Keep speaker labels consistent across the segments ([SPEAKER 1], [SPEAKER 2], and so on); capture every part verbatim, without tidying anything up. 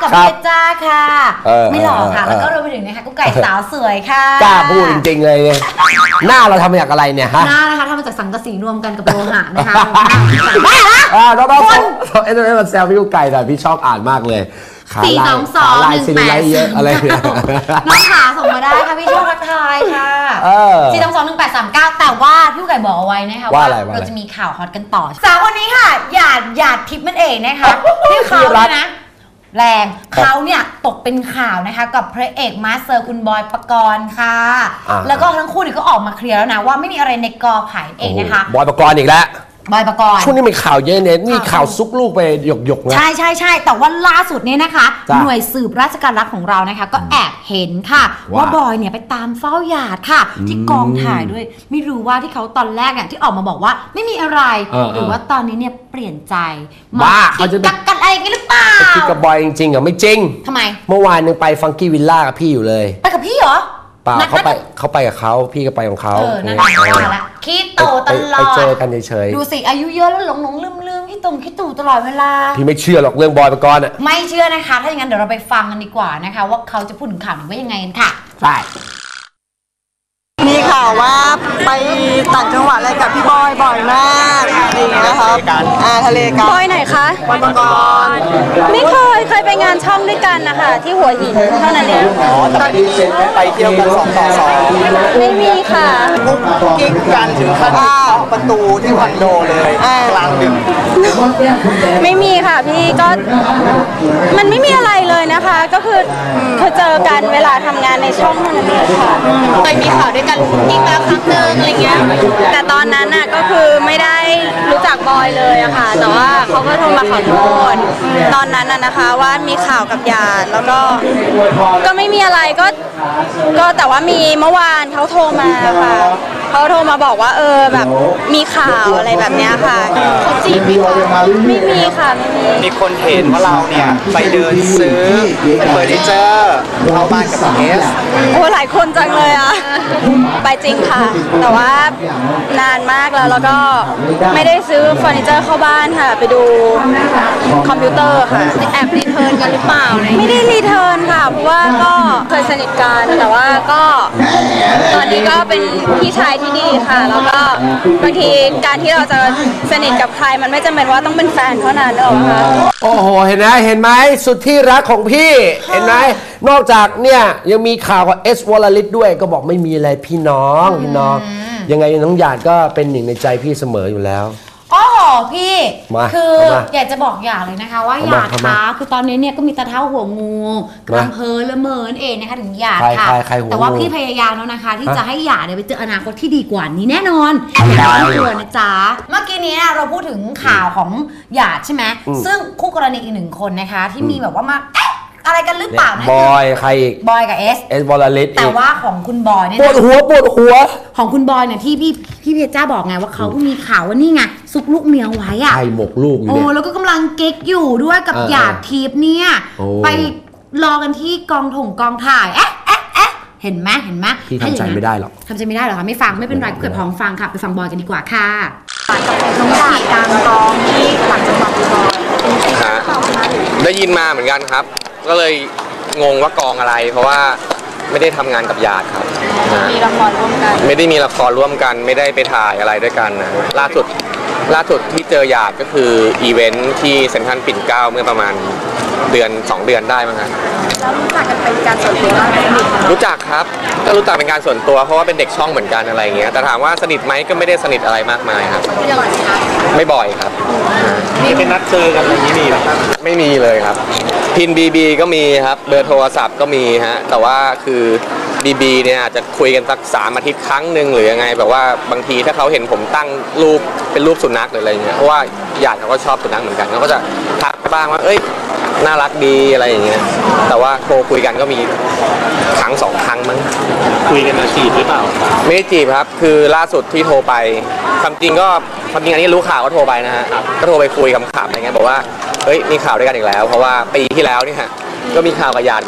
[SPEAKER 1] ของเพชรจ้าค่ะไม่หล่อค่ะแล้วก็รวมไปถึงนะคะกุ๊กไก่สาวสวยค่ะ
[SPEAKER 2] กล้าพูดจริงๆเลยเนี่ยหน้าเราทำมาจากอะไรเนี่ยฮะ
[SPEAKER 1] หน้านะคะทำมาจากสังกะสีรวมกันกับโลหะนะคะ
[SPEAKER 2] บ้าละอ่าน้องๆเอ็นเอ็นแซวพี่กุ๊กไก่หน่อยพี่ชอบอ่านมากเลย
[SPEAKER 1] สี่สองสองหนึ่งแปดเยอะอะไรเนี่ยน้องขาส่งมาได้ค่ะพี่ชอบทักทายค่ะสี่สองสองหนึ่งแปดสามเก้าแต่ว่าพี่ไก่บอกเอาไว้นะคะว่าเราจะมีข่าวฮอตกันต่อสาวคนนี้ค่ะหยาดหยาดทิพย์นั่นเองนะคะที่เขาเนี่ยนะแรงเขาเนี่ยตกเป็นข่าวนะคะกับพระเอกมาสเตอร์คุณบอยปกรณ์ค่ะแล้วก็ทั้งคู่นี่ก็ออกมาเคลียร์แล้วนะว่าไม่มีอะไรในกอไผ่เองนะคะ
[SPEAKER 2] บอยปกรณ์อีกแล้ว
[SPEAKER 1] บอยปกรณ์
[SPEAKER 2] ช่วงนี้มีข่าวเยอะเนี่ยนี่ข่าวซุกลูกไปหยกหยกนะ
[SPEAKER 1] ใช่ใช่ใช่แต่ว่าล่าสุดเนี่ยนะคะหน่วยสืบราชการรักของเรานะคะก็แอบเห็นค่ะว่าบอยเนี่ยไปตามเฝ้าหยาดค่ะที่กองถ่ายด้วยไม่รู้ว่าที่เขาตอนแรกเนี่ยที่ออกมาบอกว่าไม่มีอะไรหรือว่าตอนนี้เนี่ยเปลี่ยนใจ
[SPEAKER 2] บ้าเขาจะ
[SPEAKER 1] กักกันอะไรกันหรือเปล่า
[SPEAKER 2] คิดกับบอยจริงๆเหรอไม่จริง
[SPEAKER 1] ทำไม
[SPEAKER 2] เมื่อวานนึงไปฟังกี้วิลล่ากับพี่อยู่เลย
[SPEAKER 1] ไปกับพี่เหรอ
[SPEAKER 2] เปล่าเขาไปเขาไปกับเขาพี่ก็ไปของเขา
[SPEAKER 1] เออนั่นแหละคิดโตตลอด
[SPEAKER 2] ไปเจอกันเฉย
[SPEAKER 1] ๆดูสิอายุเยอะแล้วหลงหลงลืมลืมคิดตรงคิดตู่ตลอดเวลา
[SPEAKER 2] พี่ไม่เชื่อหรอกเรื่องบอยปกรณ์อ่ะ
[SPEAKER 1] ไม่เชื่อนะคะถ้าอย่างนั้นเดี๋ยวเราไปฟังกันดีกว่านะคะว่าเขาจะพูดถึงข่าวนี้ว่ายังไงกันค่ะ
[SPEAKER 2] ใช่
[SPEAKER 3] มีข่าวว่าไปต่างจังหวัดอะไรกับพี่บอยบ่อยมากอะไรอย่างเงี้ยครับอ่าทะเลกัน
[SPEAKER 4] บอยไหนคะ
[SPEAKER 3] บอยปกรณ์
[SPEAKER 4] ไม่เคยเคยไปงานช่องด้วยกันนะคะที่หัวหินเท่านั้นเอง
[SPEAKER 3] อ๋อแต่ไม่ได้ไปเที่ยวกันสองต่อสอง
[SPEAKER 4] ไม่มีค่ะ
[SPEAKER 3] กิ๊กกันถึงขั้นประตูที่คอนโดเลยกลางดึก
[SPEAKER 4] ไม่มีค่ะพี่ก็มันไม่มีอะไรเลยนะคะก็คือเคยเจอกันเวลาทำงานในช่องเท่านั้นเองค่ะ
[SPEAKER 1] เคยมีข่าวด้วยกันอีกแล้วครั้งหนึ่งอะไรเงี้ย
[SPEAKER 4] แต่ตอนนั้นน่ะก็คือไม่ได้รู้จักบอยเลยอะค่ะแต่ว่าเขาก็โทรมาขอโทษตอนนั้นน่ะนะคะว่ามีข่าวกับหยาดแล้วก็ก็ไม่มีอะไรก็ก็แต่ว่ามีเมื่อวานเขาโทรมาค่ะเขาโทรมาบอกว่าเออแบบมีข่าวอะไรแบบเนี้ยค่ะเขาจีบไม่มีค่ะไม่มี
[SPEAKER 3] มีคนเห็นว่าเราเนี่ยไปเดินซื้อเฟอร์นิเจอร์เข้าบ้านกับเอส
[SPEAKER 4] โอ้หลายคนจังเลยอะไปจริงค่ะแต่ว่านานมากแล้วแล้วก็ไม่ได้ซื้อเฟอร์นิเจอร์เข้าบ้านค่ะไปดูคอมพิวเตอร์ค่ะ
[SPEAKER 1] แอบรีเทิร์นกันหรือเปล่า
[SPEAKER 4] ไม่ได้รีเทิร์นค่ะเพราะว่าก็เคยสนิทกันแต่ว่าก็ตอนนี้ก็เป็นพี่ชายที่ดีค่ะแล้วก็บางทีการที่เราจะสนิทกับใครมันไม่จำเป็นว่าต้องเป็นแฟนเท่านั้นหรอกค่ะ
[SPEAKER 2] โอ้โหเห็นไหมเห็นไหมสุดที่รักของพี่เห็นไหมนอกจากเนี่ยยังมีข่าวกับเอสวอลลิตด้วยก็บอกไม่มีอะไรพี่น้องพี่น้องยังไงน้องหยาดก็เป็นหนึ่งในใจพี่เสมออยู่แล้ว
[SPEAKER 1] อ๋อพี่คืออยากจะบอกอย่างเลยนะคะว่าหยาดคะคือตอนนี้เนี่ยก็มีตาเท้าหัวงูกำลังเพลิละเมินเองนะคะถึงหยาดค่ะแต่ว่าพี่พยายามแล้วนะคะที่จะให้หยาดเนี่ยไปเจออนาคตที่ดีกว่านี้แน่นอนอย่าไม่กลัวนะจ๊ะเมื่อกี้นี้เราพูดถึงข่าวของหยาดใช่ไหมซึ่งคู่กรณีอีกหนึ่งคนนะคะที่มีแบบว่ามาอะไรกันหรือเปล่านะ
[SPEAKER 2] บอยใครอีก
[SPEAKER 1] บอยกับเอส
[SPEAKER 2] เอสวอลลิต
[SPEAKER 1] แต่ว่าของคุณบอยเนี่ย
[SPEAKER 2] ปวดหัวปวดหัว
[SPEAKER 1] ของคุณบอยเนี่ยที่พี่พี่เพชรจ้าบอกไงว่าเขามีข่าวว่านี่ไงซุกลูกเมียไว้อะ
[SPEAKER 2] ใครหมกลูกอยู่
[SPEAKER 1] เนี่ยโอ้แล้วก็กำลังเก๊กอยู่ด้วยกับหยาดทิพย์เนี่ยไปรอกันที่กองถงกองถ่ายเอ๊ะเอ๊ะเอ๊ะเห็นไหมเห็นไหม
[SPEAKER 2] พี่ทำใจไม่ได้หรอก
[SPEAKER 1] ทำใจไม่ได้หรอคะไม่ฟังไม่เป็นไรเกิดพองฟังค่ะไปฟังบอยกันดีกว่าค่ะ
[SPEAKER 3] น้องหยาดกลางกองที่หลังจากบอย
[SPEAKER 5] ได้ยินมาเหมือนกันครับก็เลยงงว่ากองอะไรเพราะว่าไม่ได้ทำงานกับหยาดครับ
[SPEAKER 4] มีละครร่วมกัน
[SPEAKER 5] ไม่ได้มีละครร่วมกันไม่ได้ไปถ่ายอะไรด้วยกันนะล่าสุดล่าสุดที่เจอหยาดก็คืออีเวนท์ที่เซ็นทรัลปิ่นเกล้าเมื่อประมาณเดือนสองเดือนได้มั้งครับ
[SPEAKER 4] แล้วรู้จักกันเป็นการส่วนตัวไหม
[SPEAKER 5] รู้จักครับก็รู้จักเป็นการส่วนตัวเพราะว่าเป็นเด็กช่องเหมือนกันอะไรเงี้ยแต่ถามว่าสนิทไหมก็ไม่ได้สนิทอะไรมากมายครับไม่บ่อยครับ
[SPEAKER 3] มีเป็นนัดเจอกันอย่างนี้มีหรอครับ
[SPEAKER 5] ไม่มีเลยครับพินบีบีก็มีครับเบอร์โทรศัพท์ก็มีฮะแต่ว่าคือบีบีเนี่ยอาจจะคุยกันสักสามอาทิตย์ครั้งหนึ่งหรือยังไงแบบว่าบางทีถ้าเขาเห็นผมตั้งรูปเป็นรูปสุนัขหรืออะไรเงี้ยเพราะว่าหยาดเขาก็ชอบสุนัขเหมือนกันเขาก็จะทักบ้างว่าเอ้ยน่ารักดีอะไรอย่างเงี้ยแต่ว่าโทรคุยกันก็มีครั้งสองครั้งมั้ง
[SPEAKER 3] คุยกันมาจีบหรือเปล่า
[SPEAKER 5] ไม่ได้จีบครับคือล่าสุดที่โทรไปความจริงก็ความจริงอันนี้รู้ข่าวก็โทรไปนะฮะก็โทรไปคุยขำๆอะไรเงี้ยบอกว่าเฮ้ยมีข่าวด้วยกันอีกแล้วเพราะว่าปีที่แล้วนี่ฮะก็มีข่าวกับหยาดเหมือนกัน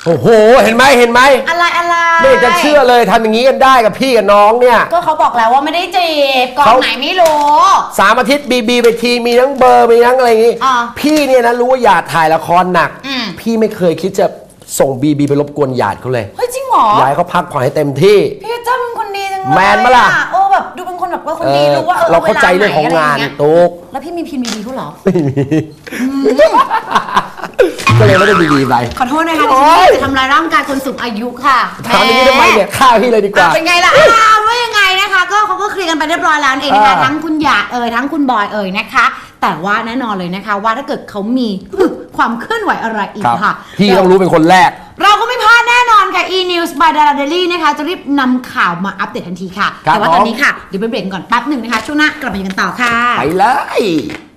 [SPEAKER 2] โอ้โหเห็นไหมเห็นไหม
[SPEAKER 1] อะไรอะไร
[SPEAKER 2] ไม่อยากจะเชื่อเลยทำอย่างนี้กันได้กับพี่กับน้องเนี่ย
[SPEAKER 1] ก็เขาบอกแล้วว่าไม่ได้จีบกองไหนไม่รู้
[SPEAKER 2] สามอาทิตย์บีบีไปทีมีทั้งเบอร์มีทั้งอะไรอย่างงี้พี่เนี่ยนะรู้ว่าหยาดถ่ายละครหนักพี่ไม่เคยคิดจะส่งบีบีไปรบกวนหยาดเขาเลย
[SPEAKER 1] เฮ้ยจริงเหรอ
[SPEAKER 2] อยากให้เขาพักผ่อนให้เต็มที่
[SPEAKER 1] พี่เจ้าเป็นคนดีจังเลย
[SPEAKER 2] แมนมาล่ะ
[SPEAKER 1] โอ้แบบดูเป็นคนแบบว่าคนดีรู้ว่า
[SPEAKER 2] เราเข้าใจเรื่องของงานตุ๊ก
[SPEAKER 1] แล้วพี่มีพินบีบีเขาเหรอ
[SPEAKER 2] ไม่มีก็เลยไม่ได้บีบีไป
[SPEAKER 1] ขอโทษนะคะที่จะทำลายร่างกายคนสูงอายุค่ะ
[SPEAKER 2] ถามอย่างนี้ทำไมเนี่ยฆ่าพี่เลยดีกว่า
[SPEAKER 1] เป็นไงล่ะว่ายังไงนะคะก็เขาก็เคลียร์กันไปเรียบร้อยแล้วเองนะคะทั้งคุณหยาดเอ่ยทั้งคุณบอยเอ่ยนะคะแต่ว่าแน่นอนเลยนะคะว่าถ้าเกิดเขามีความเคลื่อนไหวอะไรอีกค่ะ
[SPEAKER 2] พี่ต้องรู้เป็นคนแรก
[SPEAKER 1] เราก็ไม่พลาดแน่นอนค่ะ e-news by Dara Daily นะคะจะรีบนำข่าวมาอัปเดตทันทีค่ะแต่ว่าตอนนี้ค่ะเดี๋ยวไปเบรกก่อนแป๊บหนึ่งนะคะช่วงหน้ากลับมากันต่อค่ะ
[SPEAKER 2] ไปเลย